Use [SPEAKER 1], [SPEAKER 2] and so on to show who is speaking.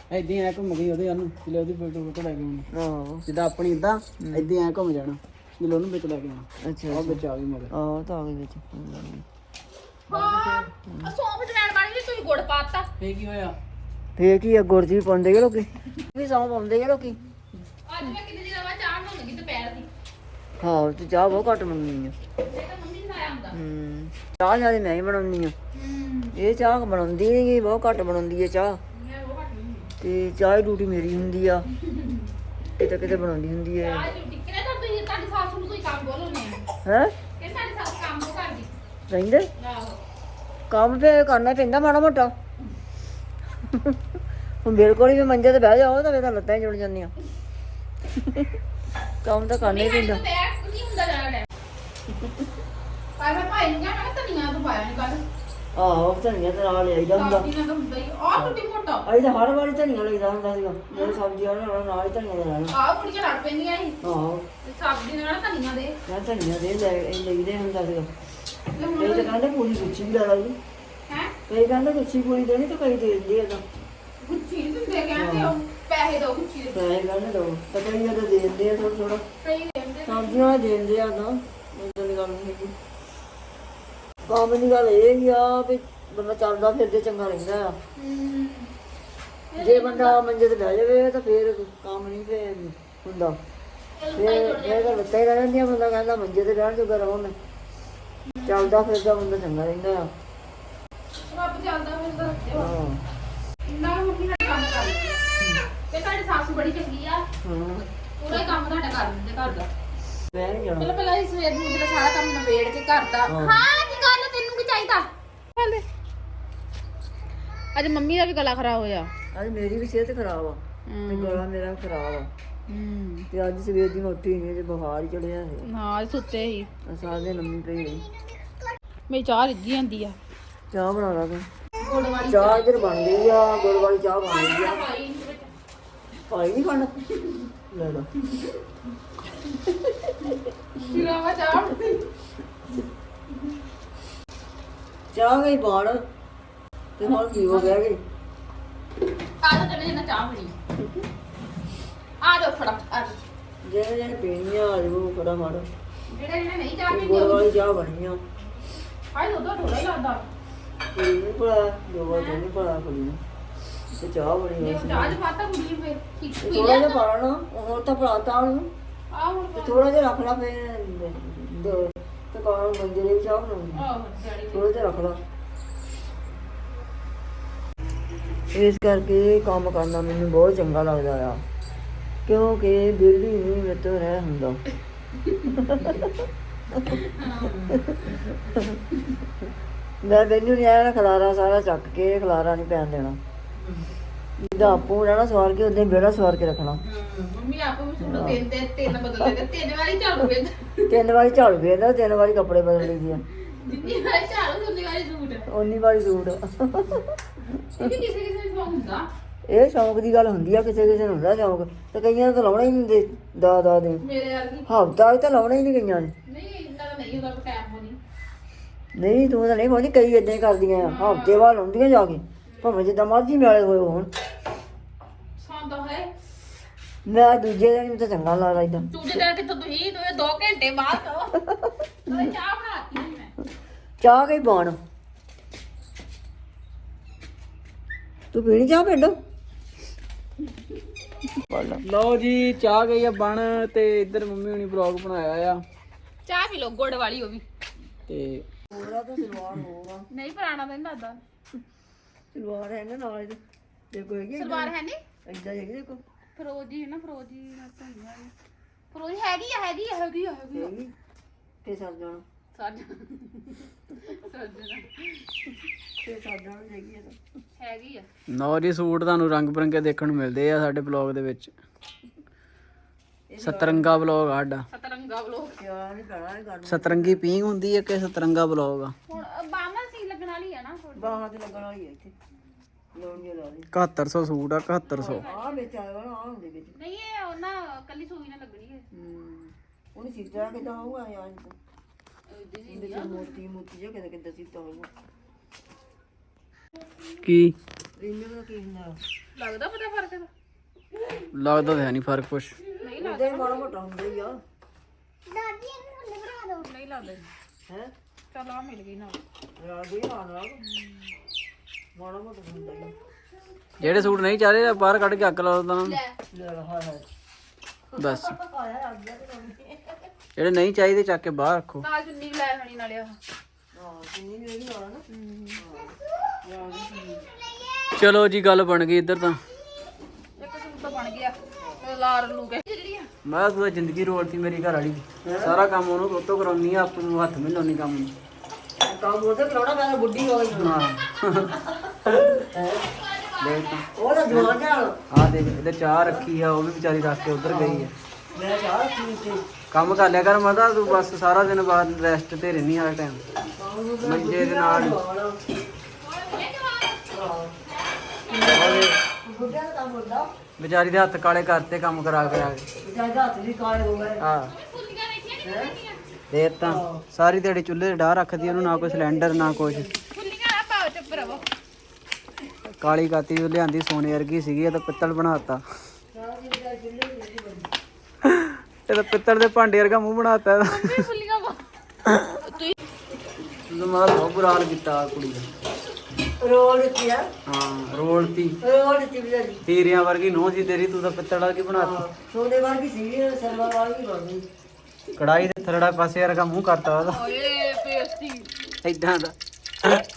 [SPEAKER 1] ਏਦਾਂ ਐ ਘੁੰਮ ਗਈ ਉਹਦੇ ਨੂੰ ਜਿਲੇ ਉਹਦੀ ਫੋਟੋ ਲੈ ਕੇ ਆਉਣੀ ਜਿੱਦਾਂ ਆਪਣੀ ਇਦਾਂ ਏਦਾਂ ਐ ਘੁੰਮ ਜਾਣਾ ਜਿਲੇ ਉਹਨੂੰ ਵਿੱਚ ਲੈ ਕੇ ਆਉਣਾ। ਅੱਛਾ ਉਹ ਵਿੱਚ ਆ ਗਈ ਮਗਰ ਤਾਂ ਆ ਗਈ ਵਿੱਚ।
[SPEAKER 2] ਹਾਂ ਸੌਂਫ ਜਵੈਣ ਵਾਲੀ ਵੀ ਤੁਸੀਂ ਗੁੜ ਪਾਤਾ
[SPEAKER 1] ਫੇਰ ਕੀ ਹੋਇਆ?
[SPEAKER 3] ਫੇਰ ਕੀ ਆ ਗੁੜ ਜੀ ਪਾਉਂਦੇ ਗੇ ਲੋਕੀ ਵੀ ਸੌਂਫ ਪਾਉਂਦੇ ਗੇ ਲੋਕੀ।
[SPEAKER 2] ਅੱਜ ਮੈਂ ਕਿੰਨੇ ਦਿਨਾਂ ਬਾਅਦ ਚਾਹ ਬਣਾਉਣ ਲੱਗੀ ਦੁਪਹਿਰ ਦੀ।
[SPEAKER 3] ਹਾਂ ਤੇ ਚਾਹ ਬਹੁਤ ਘੱਟ ਬਣਾਉਣੀ ਆ।
[SPEAKER 2] ਇਹ ਤਾਂ ਮੰਮੀ ਨੇ ਲਾਇਆ ਹੁੰਦਾ।
[SPEAKER 3] ਚਾਹ ਜਿਆਦਾ ਮੈਂ ਹੀ ਬਣਾਉਣੀ ਆ। ਇਹ ਚਾਹ ਬਣਾਉਂਦੀ ਨੀ ਬਹੁਤ ਘੱਟ ਬਣਾਉਂਦੀ ਹੈ ਚਾਹ
[SPEAKER 2] ਮੈਂ ਉਹ ਘੱਟ ਨਹੀਂ
[SPEAKER 3] ਤੇ ਚਾਹ ਦੀ ਡਿਊਟੀ ਮੇਰੀ ਹੁੰਦੀ ਆ ਕਿਤੇ ਕਿਤੇ ਬਣਾਉਂਦੀ ਹੁੰਦੀ ਹੈ।
[SPEAKER 2] ਚਾਹ ਡਿਊਟੀ ਕਿਹਨੇ ਤਾਂ ਤੁਸੀਂ ਤੁਹਾਡੀ ਸੱਸ ਨੂੰ ਕੋਈ ਕੰਮ ਬੋਲੋਨੇ
[SPEAKER 3] ਹੈ
[SPEAKER 2] ਕਿ ਤੁਹਾਡੀ ਸੱਸ ਕੰਮ ਕੋ ਕਰਦੀ।
[SPEAKER 3] ਰਹਿੰਦੇ
[SPEAKER 2] ਆਹੋ
[SPEAKER 3] ਕੰਮ ਫੇਰ ਕਰਨਾ ਪੈਂਦਾ ਮਾੜਾ ਮੋਟਾ। ਹੁਣ ਮੇਰੇ ਕੋਲ ਵੀ ਮੰਜੇ ਤੇ ਬਹਿ ਜਾਓ ਤਾਂ ਫਿਰ ਤਾਂ ਲੱਤਾਂ ਹੀ ਜੁੜ ਜਾਂਦੀਆਂ। ਕੰਮ ਤਾਂ ਕਰਨਾ ਹੀ ਪੈਂਦਾ।
[SPEAKER 2] ਬੈਗ ਨਹੀਂ ਹੁੰਦਾ ਜਾਣਾ ਪਰ ਮੈਂ ਭਾਈ ਨੂੰ ਕਿਹਾ ਮੈਂ ਕਿਹਾ ਧਨੀਆ ਤੋਂ ਪਾਇਆ ਨਹੀਂ ਕੱਲ।
[SPEAKER 3] ਆਹੋ ਧਨੀਆ ਤੇ ਨਾਲ ਲਿਆਈਦਾ ਹੁੰਦਾ।
[SPEAKER 2] ਕਾਫੀ ਨਾ ਤਾਂ ਹੁੰਦਾ ਹੀ ਆਹ ਟੁੱਟੀ ਮੋਟਾ
[SPEAKER 3] ਅਸੀਂ ਤਾਂ ਹਰ ਵਾਰੀ ਧਨੀਆ ਲਈਦਾ ਹੁੰਦਾ ਸੀਗਾ ਜੇ ਸਬਜ਼ੀ ਵਾਲਾ ਨਾਲ ਹੀ ਧਨੀਆ ਦੇ ਲੈਣਾ।
[SPEAKER 2] ਆਹ ਕੁੜੀਆਂ ਲੜ ਪੈਂਦੀਆਂ ਸੀ
[SPEAKER 3] ਆਹੋ
[SPEAKER 2] ਤੇ ਸਬਜ਼ੀ ਨਾਲ ਧਨੀਆ ਦੇ
[SPEAKER 3] ਮੈਂ ਧਨੀਆ ਦੇ ਲਈਦੇ ਹੁੰਦਾ ਸੀਗਾ।
[SPEAKER 2] ਤੇ ਹੁਣ
[SPEAKER 3] ਕਈ ਤਾਂ ਕਹਿੰਦੇ ਪੂਰੀ ਗੁੱਛੀ ਵੀ ਲੈ ਲਾ ਜੀ।
[SPEAKER 2] ਹੈ
[SPEAKER 3] ਕਈ ਕਹਿੰਦੇ ਗੁੱਛੀ ਪੂਰੀ ਦੇਣੀ ਤੇ ਕਈ ਦੇ ਦਿੰਦੇ ਆ ਤਾਂ
[SPEAKER 2] ਗੁੱਚੀ ਨਹੀਂ ਦਿੰਦੇ ਕਹਿੰਦੇ ਉਹ ਪੈਸੇ ਦੋ ਗੁੱਚੀ ਦੇ
[SPEAKER 3] ਪੈਸੇ ਕਹਿੰਦੇ ਦੋ ਤਾਂ ਕਈ ਤਾਂ ਦੇ ਦਿੰਦੇ ਆ ਥੋੜਾ ਥੋੜਾ
[SPEAKER 2] ਕਈ ਦਿੰਦੇ
[SPEAKER 3] ਸਬਜ਼ੀਆਂ ਦੇ ਦਿੰਦੇ ਆ ਨਾ ਇਦਾਂ ਦੀ ਗੱਲ ਨਹੀਂ ਹੈਗੀ। ਕੰਮ ਦੀ ਗੱਲ ਇਹ ਹੀ ਆ ਵੀ ਬੰਦਾ ਚੱਲਦਾ ਫਿਰਦੇ ਚੰਗਾ ਰਹਿੰਦਾ ਆ। ਜੇ ਬੰਦਾ ਮੰਜੇ ਤੇ ਬਹਿ ਜਾਵੇ ਤਾਂ ਫੇਰ ਕੰਮ ਨਹੀਂ ਫੇਰ ਹੁੰਦਾ। ਫੇਰ ਤਾਂ ਲੱਤਾਂ ਹੀ ਰਹਿ ਜਾਂਦੀਆਂ। ਬੰਦਾ ਕਹਿੰਦਾ ਮੰਜੇ ਤੇ ਬਹਿਣ ਜੋਗਾ ਰਹਾਂ ਮੈਂ। ਚੱਲਦਾ ਫਿਰਦਾ ਬੰਦਾ ਚੰਗਾ ਰਹਿੰਦਾ ਆ।
[SPEAKER 2] ਰੱਬ ਚੱਲਦਾ ਫਿਰਦਾ ਰੱਖਿਓ
[SPEAKER 3] ਹਾਂ
[SPEAKER 2] ਇੰਨਾ ਮੰਮੀ ਨਾਲ ਕੰਮ ਕਰ ਤੇ ਤੁਹਾਡੀ ਸੱਸ ਬੜੀ ਚੰਗੀ ਆ ਪੂਰਾ ਹੀ ਕੰਮ ਤੁਹਾਡਾ ਕਰ ਦਿੰਦੇ ਘਰ ਦਾ।
[SPEAKER 3] ਮੈਂ ਨਹੀਂ ਜਾਣਾ।
[SPEAKER 2] ਚਲੋ ਪਹਿਲਾਂ ਇਸ ਸਵੇਰ ਨੂੰ ਜਿਹੜਾ ਸਾਰਾ ਕੰਮ ਨਵੇੜ ਕੇ ਘਰ ਦਾ ਹਾਂ ਕੀ ਗੱਲ ਤੈਨੂੰ ਕੀ ਚਾਹੀਦਾ ਕਹਿੰਦੇ ਅੱਜ ਮੰਮੀ ਦਾ ਵੀ ਗਲਾ ਖਰਾਬ ਹੋਇਆ।
[SPEAKER 3] ਅੱਜ ਮੇਰੀ ਵੀ ਸਿਹਤ ਖਰਾਬ ਆ ਤੇ ਗਲਾ ਮੇਰਾ ਖਰਾਬ ਆ ਤੇ ਅੱਜ ਸਵੇਰ ਦੀ ਮੋਟੀ ਨਹੀਂ ਤੇ ਬੁਖਾਰ ਹੀ ਚੜਿਆ ਹੈ।
[SPEAKER 2] ਹਾਂ ਅੱਜ ਸੁੱਤੇ ਸੀ
[SPEAKER 3] ਸਾਰਾ ਦਿਨ ਲੰਮੀ ਪਈ ਰਹੀ।
[SPEAKER 2] ਮੇਰੀ ਚਾਹ ਰਿੱਝੀ ਜਾਂਦੀ ਆ
[SPEAKER 3] ਚਾਹ ਬਣਾ ਲਾ ਤੂੰ।
[SPEAKER 2] ਗੁੜ ਵਾਲੀ
[SPEAKER 3] ਚਾਹ ਇੱਧਰ ਬਣ ਗਈ ਆ ਗੁੜ ਵਾਲੀ ਚਾਹ ਬਣ ਗਈ ਆ।
[SPEAKER 2] ਪਾਈ
[SPEAKER 3] ਭਾਈ ਨਹੀਂ ਖਾਣਾ ਲੈ ਲਾ।
[SPEAKER 2] ਸ਼ਿਰਾਵਾ ਚਾਹ
[SPEAKER 3] ਚਾਹ ਗਈ ਬਣ ਤੇ ਹੁਣ ਕੀ ਹੋ ਗਿਆ ਕਿ
[SPEAKER 2] ਆ ਜਾ ਚੱਲੇ ਨਾ ਚਾਹ ਪੀਣੀ ਆ ਜਾ ਫੜਾ ਆ ਜਾ।
[SPEAKER 3] ਜਿਹੜੇ ਜਿਹੜੇ ਪੀਣੀ ਆ ਉਹ ਫੜਾ ਮਾਰ
[SPEAKER 2] ਜਿਹੜੇ ਜਿਹੜੇ ਨਹੀਂ ਚਾਹ
[SPEAKER 3] ਗੁੜ
[SPEAKER 2] ਪੀਂਦੇ
[SPEAKER 3] ਵਾਲੀ ਚਾਹ ਬਣੀ ਆ।
[SPEAKER 2] ਆਈ ਉਹਦਾ ਥੋੜਾ ਹੀ ਲੱਗਦਾ
[SPEAKER 3] ਕੁੜੀ ਨੂੰ ਭਲਾ ਦੋ ਵਾਰ ਨਹੀਂ ਭਲਾ ਕੁੜੀ ਨੂੰ ਤੇ ਚਾਹ ਬਣੀ
[SPEAKER 2] ਜੇ
[SPEAKER 3] ਆ।
[SPEAKER 2] ਚਾਹ ਚ ਪਾਤਾ ਕੁੜੀ ਫੇਰ ਠੀਕ ਪੀ
[SPEAKER 3] ਥੋੜਾ
[SPEAKER 2] ਲਿਆ
[SPEAKER 3] ਜਿਹਾ ਪਾਣਾ ਹੋਰ ਤਾਂ ਭਲਾਤਾ ਉਹਨੂੰ
[SPEAKER 2] ਆ ਹੁਣ
[SPEAKER 3] ਤੇ ਥੋੜਾ ਜਿਹਾ ਰੱਖ ਲਾ ਫੇਰ ਤੇ ਕਾਣ ਮੰਜੇ ਦੇ ਚਾਹ ਬਣਾਉਣੀ
[SPEAKER 2] ਆਹ ਡੈਡੀ
[SPEAKER 3] ਥੋੜਾ ਜਿਹਾ ਰੱਖ ਲਾ। ਇਸ ਕਰਕੇ ਕੰਮ ਕਰਨਾ ਮੈਨੂੰ ਬਹੁਤ ਚੰਗਾ ਲੱਗਦਾ ਆ ਕਿਉਂਕਿ ਵਿਹਲੀ ਨਹੀਂ ਮੇਰੇ ਤੋਂ ਰਹਿ ਹੁੰਦਾ। ਮੈਂ ਮੈਨੂੰ ਨਹੀਂ ਆਇਆ ਖਲਾਰਾ ਸਾਰਾ ਚੱਕ ਕੇ ਖਲਾਰਾ ਨਹੀਂ ਪੈਣ ਦੇਣਾ। ਜਿੱਦਾਂ ਆਪੂ ਰਹਿਣਾ ਸਵਾਰ ਕੇ ਉਦਾਂ ਹੀ ਵਿਹੜਾ ਸਵਾਰ ਕੇ ਰੱਖਣਾ।
[SPEAKER 2] ਮੰਮੀ ਆਪੋ ਵੀ ਸੁਣੋ ਤਿੰਨ ਬਦਲ ਦੇ ਤਿੰਨ ਵਾਰੀ ਝਾੜੂ ਵੇਂਦਾ
[SPEAKER 3] 3 ਵਾਰੀ ਝਾੜੂ ਫੇਰਦਾ 3 ਵਾਰੀ ਕੱਪੜੇ ਬਦਲ ਲਈਦੀ ਆ।
[SPEAKER 2] ਜਿੰਨੀ ਵਾਰੀ ਝਾੜੂ ਉਨੀ ਵਾਰੀ ਸੂਟ
[SPEAKER 3] ਉਨੀ ਵਾਰੀ ਸੂਟ।
[SPEAKER 2] ਇਹ ਵੀ ਕਿਸੇ ਕਿਸੇ ਨੂੰ ਹੁੰਦਾ
[SPEAKER 3] ਇਹ ਸ਼ੌਂਕ ਦੀ ਗੱਲ ਹੁੰਦੀ ਆ ਕਿਸੇ ਕਿਸੇ ਨੂੰ ਹੁੰਦਾ ਸ਼ੌਂਕ ਤੇ ਕਈਆਂ ਨੂੰ ਤਾਂ ਲਾਉਣਾ ਹੀ ਨਹੀਂ ਦੇ ਦਾ ਦੇ
[SPEAKER 2] ਮੇਰੇ ਵਰਗੀ
[SPEAKER 3] ਹਫ਼ਤਾ ਤਾਂ ਲਾਉਣਾ ਹੀ ਨਹੀਂ ਕਈਆਂ ਨੇ।
[SPEAKER 2] ਨਹੀਂ ਇੰਨਾ ਤਾਂ ਨਹੀਂ ਉਹਦਾ ਟਾਈਮ ਹੋਣੀ
[SPEAKER 3] ਨਹੀਂ ਤੂੰ ਤਾਂ ਨਹੀਂ ਪਾਉਂਦੀ ਕਈ ਏਦਾਂ ਹੀ ਕਰਦੀਆਂ ਆ ਹਫ਼ਤੇ ਬਾਅਦ ਲਾਉਂਦੀਆਂ ਜਾ ਕੇ ਭਾਵੇਂ ਜਿੱਦਾਂ ਮਰਜ਼ੀ ਮਿਲੇ ਹੋਏ ਹੋਣ।
[SPEAKER 2] ਸੌਂਦਾ ਹੈ
[SPEAKER 3] ਮੈਂ ਦੂਜੇ ਦਿਨ ਮੈਨੂੰ ਤਾਂ ਚੰਗਾ ਲੱਗਦਾ ਏਦਾਂ।
[SPEAKER 2] ਦੂਜੇ ਦਿਨ ਕਿਤੋਂ ਤੁਸੀਂ 2 ਘੰਟੇ ਬਾਅਦ ਉਹ ਚਾਹ ਬਣਾਤੀ ਮੈਂ
[SPEAKER 3] ਚਾਹ ਕਈ ਬਣ ਤੂੰ ਪੀਣੀ ਚਾਹ ਪਿੰਡ
[SPEAKER 1] ਲਓ ਜੀ ਚਾਹ ਗਈ ਆ ਬਣ ਤੇ ਇੱਧਰ ਮੰਮੀ ਹੁਣੀ ਵਲੌਗ ਬਣਾਇਆ ਆ
[SPEAKER 2] ਚਾਹ ਪੀ ਲੋ ਗੁੜ ਵਾਲੀ ਉਹ ਵੀ
[SPEAKER 1] ਤੇ
[SPEAKER 3] ਪੂਰਾ ਤਾਂ ਸਲਵਾਰ ਹੋਊਗਾ
[SPEAKER 2] ਨਹੀਂ ਪੁਰਾਣਾ ਤਾਂ ਨਹੀਂ ਲੱਗਦਾ
[SPEAKER 3] ਸਲਵਾਰ ਹੈ ਨਾ ਨਾਲ ਇਹਦੇ ਦੇਖੋ ਹੈਗੀ
[SPEAKER 2] ਸਲਵਾਰ ਹੈ ਨਹੀਂ
[SPEAKER 3] ਏਦਾਂ ਹੈਗੀ ਦੇਖੋ
[SPEAKER 2] ਫਰੋਜੀ ਹੈ ਨਾ ਫਰੋਜੀ ਨਾਲ ਤਾਂ ਨਹੀਂ ਹੈ ਫਰੋਜੀ ਹੈਗੀ ਆ
[SPEAKER 3] ਹੈਗੀ ਤੇ ਸਰ ਜਾਣਾ
[SPEAKER 2] ਸੱਜ
[SPEAKER 3] ਤੇ ਸਰ ਜਾਣਾ ਹੈਗੀ ਆ ਤਾਂ
[SPEAKER 2] ਹੈਗੀ ਆ
[SPEAKER 1] ਨੌ ਜੀ ਸੂਟ ਤੁਹਾਨੂੰ ਰੰਗ ਬਰੰਗੇ ਦੇਖਣ ਨੂੰ ਮਿਲਦੇ ਆ ਸਾਡੇ ਬਲੌਗ ਦੇ ਵਿੱਚ। ਸਤਰੰਗਾ ਬਲੌਗ ਸਾਡਾ
[SPEAKER 2] ਸਤਰੰਗਾ ਬਲੋ
[SPEAKER 3] ਕਿਆ ਨਹੀਂ ਪੈਣਾ ਇਹ ਗੱਲ
[SPEAKER 1] ਸਤਰੰਗੀ ਪੀਂਗ ਹੁੰਦੀ ਹੈ ਕਿ ਸਤਰੰਗਾ ਬਲੌਗ ਆ।
[SPEAKER 2] ਹੁਣ ਬਾਹਾਂ ਸੀ ਲੱਗਣ ਵਾਲੀ ਆ ਨਾ ਥੋੜੀ
[SPEAKER 3] ਬਾਹਾਂ ਤੇ ਲੱਗਣ ਵਾਲੀ ਹੈ ਇੱਥੇ ਲੋੜੀਆਂ ਲਾ ਦੇ
[SPEAKER 1] 7100 ਸੂਟ ਆ 7100।
[SPEAKER 3] ਆ ਵਿੱਚ ਆਇਆ ਨਾ ਆ ਹੁੰਦੇ ਵਿੱਚ
[SPEAKER 2] ਨਹੀਂ ਇਹ ਉਹਨਾਂ ਕੱਲੀ ਸੂਈ ਨਾਲ ਲੱਗਣੀ ਹੈ
[SPEAKER 3] ਉਹਨੇ ਸਿੱਧਾ ਕਿਦਾਂ ਹੋਊਗਾ ਯਾਰ ਇਹਦੇ ਚ ਮੋਤੀ ਮੋਤੀ ਜਿਹਾ ਕਿਦਾਂ ਕਿਦਾਂ ਸਿੱਧਾ ਹੋਊਗਾ
[SPEAKER 1] ਕੀ
[SPEAKER 3] ਪ੍ਰੀਮੀਅਮ ਦਾ ਕੀ ਹੁੰਦਾ
[SPEAKER 2] ਲੱਗਦਾ ਪਤਾ ਫਰਕ ਇਹਦਾ?
[SPEAKER 1] ਲੱਗਦਾ ਤਾਂ ਹੈ ਨਹੀਂ ਫਰਕ ਕੁਛ।
[SPEAKER 2] ਨਹੀਂ
[SPEAKER 3] ਉਹਦੇ ਮਾੜਾ ਮੋਟਾ ਹੁੰਦਾ ਹੀ ਆ
[SPEAKER 2] ਨਹੀਂ ਲੱਗਦਾ
[SPEAKER 3] ਹੈ
[SPEAKER 2] ਚਲ ਆ ਮਿਲ ਗਈ ਨਾਲ
[SPEAKER 3] ਰਲ ਗਈ ਨਾਲ ਮਾੜਾ ਮੋਟਾ ਹੁੰਦਾ ਹੀ ਆ।
[SPEAKER 1] ਜਿਹੜੇ ਸੂਟ ਨਹੀਂ ਚਾਹਦੇ ਬਾਹਰ ਕੱਢ ਕੇ ਅੱਗ ਲਾ ਦੋ
[SPEAKER 2] ਲੈ
[SPEAKER 3] ਲੈ ਹਾਏ ਹਾਏ
[SPEAKER 1] ਬਸ।
[SPEAKER 3] ਆਇਆ ਅੱਗ ਤੇ ਮੰਮੀ
[SPEAKER 1] ਜਿਹੜੇ ਨਹੀਂ ਚਾਹੀਦੇ ਚੱਕ ਕੇ ਬਾਹਰ ਰੱਖੋ।
[SPEAKER 2] ਨਾਲ ਚੁੰਨੀ ਵੀ ਲੈ ਆਣੀ ਨਾਲੇ ਆਹ
[SPEAKER 3] ਹਾਂ ਕਿੰਨੀ ਵੀ ਇਹਦੀ ਨਾਲ ਨਾ
[SPEAKER 1] ਚਲੋ ਜੀ ਗੱਲ ਬਣ ਗਈ ਇੱਧਰ ਤਾਂ।
[SPEAKER 2] ਇੱਕ ਸੂਟ ਤਾਂ ਬਣ ਗਿਆ ਲਾਰ ਲੂ ਕੇ ਜਿਹੜੀ ਆ
[SPEAKER 1] ਮੈਂ ਤਾਂ ਜ਼ਿੰਦਗੀ ਰੋਲਤੀ ਮੇਰੀ ਘਰ ਵਾਲੀ ਦੀ। ਸਾਰਾ ਕੰਮ ਉਹਨੂੰ ਤੋਤੋਂ ਕਰਾਉਣੀ ਆ, ਆਪ ਨੂੰ ਹੱਥ ਮਿਲਾਉਣੀ ਕੰਮ ਨੂੰ।
[SPEAKER 3] ਕੰਮ ਉਹਦੇ ਕਰਾਉਣਾ ਮੈਂ ਤਾਂ ਬੁੱਢੀ ਹੋ ਗਈ
[SPEAKER 1] ਹਾਂ ਦੇਖ ਤਾਂ
[SPEAKER 3] ਉਹ ਤਾਂ ਜਵਾਨ ਨਾਲ
[SPEAKER 1] ਆ ਦੇਖ ਇੱਧਰ ਚਾਹ ਰੱਖੀ ਆ, ਉਹ ਵੀ ਵਿਚਾਰੀ ਰੱਖ ਕੇ ਉੱਧਰ ਗਈ ਆ।
[SPEAKER 3] ਮੈਂ ਚਾਹ ਪੀ ਕੇ
[SPEAKER 1] ਕੰਮ ਕਰ ਲਿਆ ਕਰ ਮਾਤਾ ਤੂੰ, ਬਸ ਸਾਰਾ ਦਿਨ ਬਾਅਦ ਰੈਸਟ ਤੇ ਰਹਿਨੀ ਹਰ ਟਾਈਮ ਮੰਜੇ ਦੇ ਨਾਲ ਹੀ।
[SPEAKER 3] ਬੁੱਢਾ ਦਾ ਕੰਮ ਹੁੰਦਾ
[SPEAKER 1] ਵਿਚਾਰੀ ਦੇ ਹੱਥ ਕਾਲੇ ਕਰਤੇ ਕੰਮ ਕਰਾ ਕਰਾ ਕੇ।
[SPEAKER 3] ਵਿਚਾਰੇ ਹੱਥ ਵੀ ਕਾਲੇ ਹੋ ਗਏ
[SPEAKER 1] ਹਾਂ
[SPEAKER 2] ਫੁੱਲੀਆਂ ਦੇਖੀਆਂ ਨੀ ਕਿੰਨੀਆਂ
[SPEAKER 1] ਦੇਖ ਤਾਂ ਸਾਰੀ ਦਿਹਾੜੀ ਚੁੱਲ੍ਹੇ ਤੇ ਡਾਹ ਰੱਖਦੀ ਉਹਨੂੰ, ਨਾ ਕੋਈ ਸਿਲੰਡਰ ਨਾ ਕੁਛ।
[SPEAKER 2] ਫੁੱਲੀਆਂ ਆ ਪਾਓ ਚੁੱਪ ਰਵੋ
[SPEAKER 1] ਕਾਲੀ ਕਾਤੀ ਉਹ ਲਿਆਂਦੀ ਸੋਨੇ ਵਰਗੀ ਸੀਗੀ, ਇਹ ਤਾਂ ਪਿੱਤਲ ਬਣਾਤਾ। ਇਹ ਤਾਂ ਪਿੱਤਲ ਦੇ ਭਾਂਡੇ ਵਰਗਾ ਮੂੰਹ ਬਣਾਤਾ ਇਹਦਾ।
[SPEAKER 2] ਮੰਮੀ ਫੁੱਲੀਆਂ ਪਾ
[SPEAKER 1] ਤੂੰ ਮਾਰ ਬਹੁਤ ਬੁਰਾ ਹਾਲ ਕੀਤਾ ਕੁੜੀ ਦਾ।
[SPEAKER 3] ਰੋਲ ਦਿੱਤੀ ਆ
[SPEAKER 1] ਹਾਂ ਰੋਲਤੀ
[SPEAKER 3] ਰੋਲ ਦਿੱਤੀ ਵਿਚਾਰੀ
[SPEAKER 1] ਹੀਰਿਆਂ ਵਰਗੀ ਨੋਹ ਸੀ ਤੇਰੀ, ਤੂੰ ਤਾਂ ਪਿੱਤਲ ਵਰਗੀ ਬਣਾਤੀ।
[SPEAKER 3] ਸੋਨੇ ਵਰਗੀ ਸੀ ਸਰਵਾ ਵਾਲੀ ਬਣ ਗਈ
[SPEAKER 1] ਕੜਾਈ ਦੇ ਥਰੜਾ ਪਾਸੇ ਵਰਗਾ ਮੂੰਹ ਕਰਤਾ ਉਹਦਾ
[SPEAKER 2] ਓਏ ਪੇਸਟੀ
[SPEAKER 1] ਏਦਾਂ ਦਾ।